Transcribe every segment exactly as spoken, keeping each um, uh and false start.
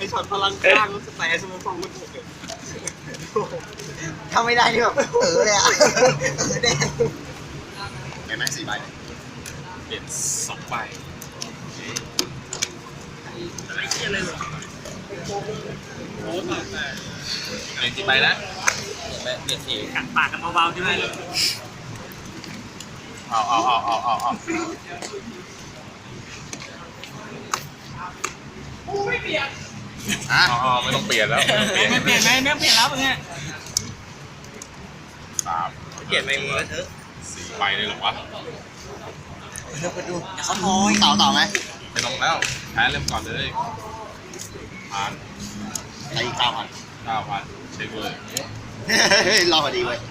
ช็อตพลังข้างสแตนสมองฟองมันถูกเลยทำไม่ได้ที่แบบเออเลยอ่ะเออแดงแม่แม่สี่ใบเปลี่ยนสองใบอะไรเชี่ยเลยเหรอโอ้ตายแต่เปลี่ยนกี่ใบนะเปลี่ยนสี่กัดปากกันเบาๆใช่ไหมเอาเอาเอาเอาเอาเอาไม่เปลี่ยนอ๋อไม่ต้องเปลี่ยนแล้วไม่เปลี่ยนไหมไม่เปลี่ยนแล้วเนี่ยสามเปลี่ยนไปมือเถอะสี่ใบเลยหรอวะเดี๋ยวไปดูเขาทอยต่อต่อไหมไม่ต้องแล้วแพ้เริ่มก่อนเลยผ่านตีเก้าพันเก้าพันเช็คเลยรอพอดีเว้ย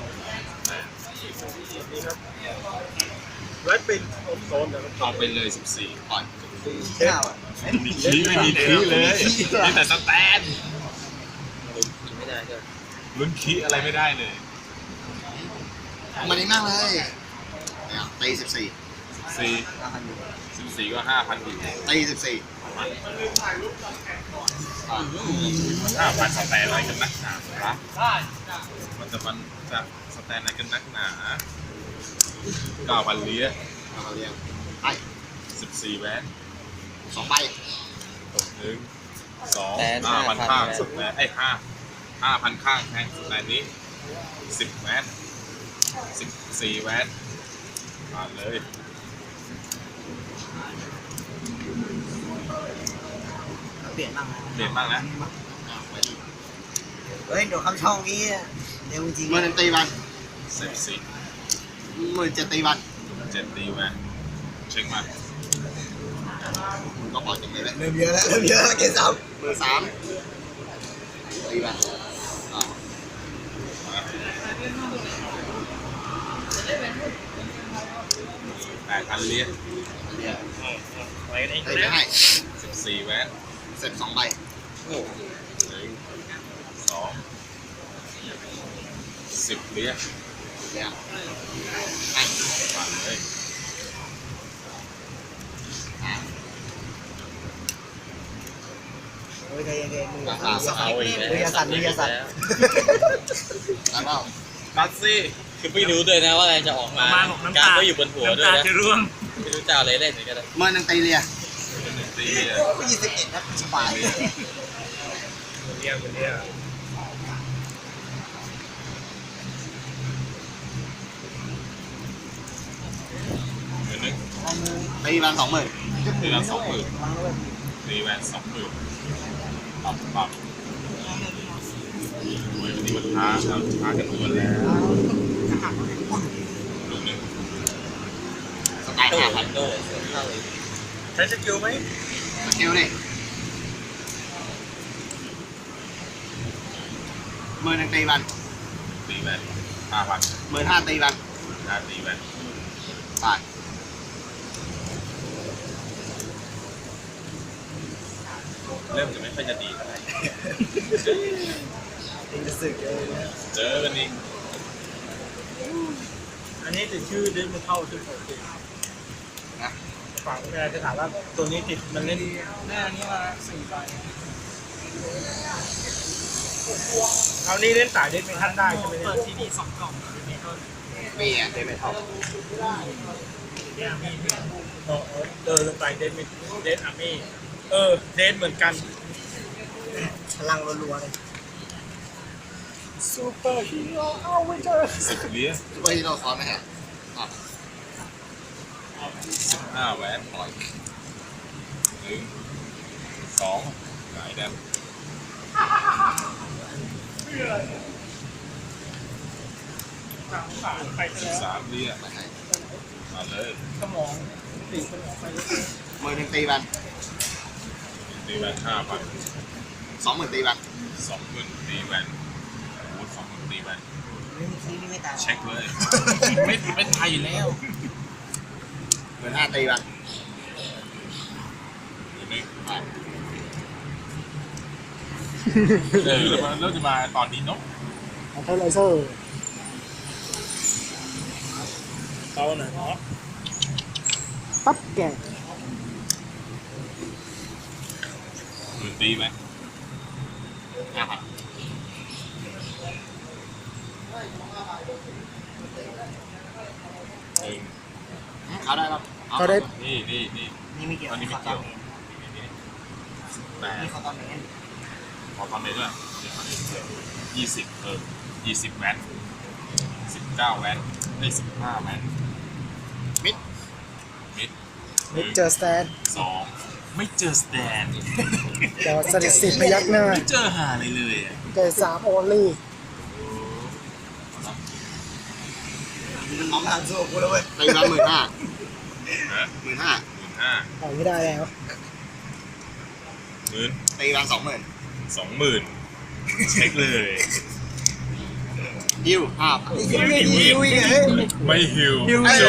ไว้เป็นโซนแต่เอาไปเลยสิบสี่ก่อนไม่มีขี้ไม่มีขี้เลยมีแต่สแตนไม่ได้ด้วยลุ้นขี้อะไรไม่ได้เลยมันดีมากเลยตีสิบสี่สี่สิบสี่ก็ห้าพันอยู่ตีสิบสี่ห้าพันสแตนอะไรกันนักหนาครับมันจะมันจะสแตนอะไรกันนักหนาเก้าพันเลี้ยเก้าพันเลี้ยไปสิบสี่แวนสองใบหนึ่งสองห้าพันข้างสุดแวนไอ้ห้าห้าพันข้างแทงสุดแวนนี้สิบแวนสิบสี่แวนมาเลยเปลี่ยนบ้างเปลี่ยนบ้างนะเฮ้ยเดี๋ยวคำช่องนี้เร็วจริงเมื่อนั้นตีวันสิบสี่หมื่นเจ็ดตีวันเจ็ดตีแวนเช็คมาก็ปล่อยจบเลยเริ่มเยอะแล้วเริ่มเยอะแล้วเกสามหมื่นสามตีวันแปดพันเลี้ยไว้ได้ให้สิบสี่แวนเสร็จสองใบหนึ่งสองสิบเลี้ยเลี้ยไอ้ผ่านเลยโอ้ยใจเย็นๆมือสั่นมือสั่นมือสั่นแล้วก็บัตซี่คือไม่รู้ด้วยนะว่าอะไรจะออกมาการก็อยู่บนหัวด้วยนะไม่รู้จะอะไรเล่นเหมือนกันเมื่อนังตีเลียตีเลียยี่สิบเอ็ดนะสบายเรียกเรียกหนึ่งตีแวนสองหมื่นตีแวนสองหมื่นตีแวนสองหมื่นปรับปรับวันนี้มันช้าเราช้ากันทุกวันแล้วลูกหนึ่งสไตล์ห้าพันโดใช้สกิลไหมสกิลดิเมื่อนังตีแวนตีแวนห้าพันเมื่อห้าตีแวนห้าตีแวนตายเริ่มจะไม่ค่อยจะดีเท่าไหร่เจอกันอีกอันนี้ติดชื่อเล่นไม่เข้าชื่อผมนะฝั่งเวลาจะถามว่าตัวนี้ติดมันเล่นแน่นี้มาสี่ใบเอานี่เล่นสายเล่นไม่ทันได้ใช่ไหมเปิดที่นี่สองกล่องนี่ก็มีอ่ะเดนไม่เท่าเนี่ยมีเนี่ยเดินลงไปเดนเดนอาร์มี่เออเดนเหมือนกันพลังรัวๆเลยซูเปอร์ฮีโร่เอาไว้เจอสิบเลี้ยซูเปอร์ฮีโร่ซ้อนไหมฮะสิบห้าแวนปล่อยหนึ่งสองหงายแดมสิบสามเลี้ยมาเลยสมองตีสมองไปมือหนึ่งตีบันตีแวนห้าพันสองหมื่นตีแวนสองหมื่นตีแวนโอ้สองหมื่นตีแวนเช็คเลยไม่ไม่ตายอยู่แล้วหมื่นห้าตีแวนเออแล้วมันเริ่มจะมาตอนนี้เนาะเท่าไรเซอร์เอาหน่อยเนาะปั๊บแกหมื่นตีไหมห้าพันหนึ่งเขาได้ครับเขาได้นี่นี่นี่นี่ไม่เกี่ยวอันนี้ไม่เกี่ยวแปดนี่เขาตอนนี้ขอตอนนี้ด้วยยี่สิบเออยี่สิบแวนสิบเก้าแวนได้สิบห้าแวนมิดมิดมิดเจอสแตนสองไม่เจอสแตนเดี๋ยวสถิติพยักหน้าไม่เจอหาเลยเลยอ่ะเจอสามโอลี่น้องทางสู้กูแล้วเว้ยตีมาหมื่นห้าฮะหมื่นห้าหมื่นห้าปล่อยไม่ได้แล้วหมื่นตีมาสองหมื่นสองหมื่นเช็คเลยยิวห้าพันยิวยิวยิวไม่ฮิว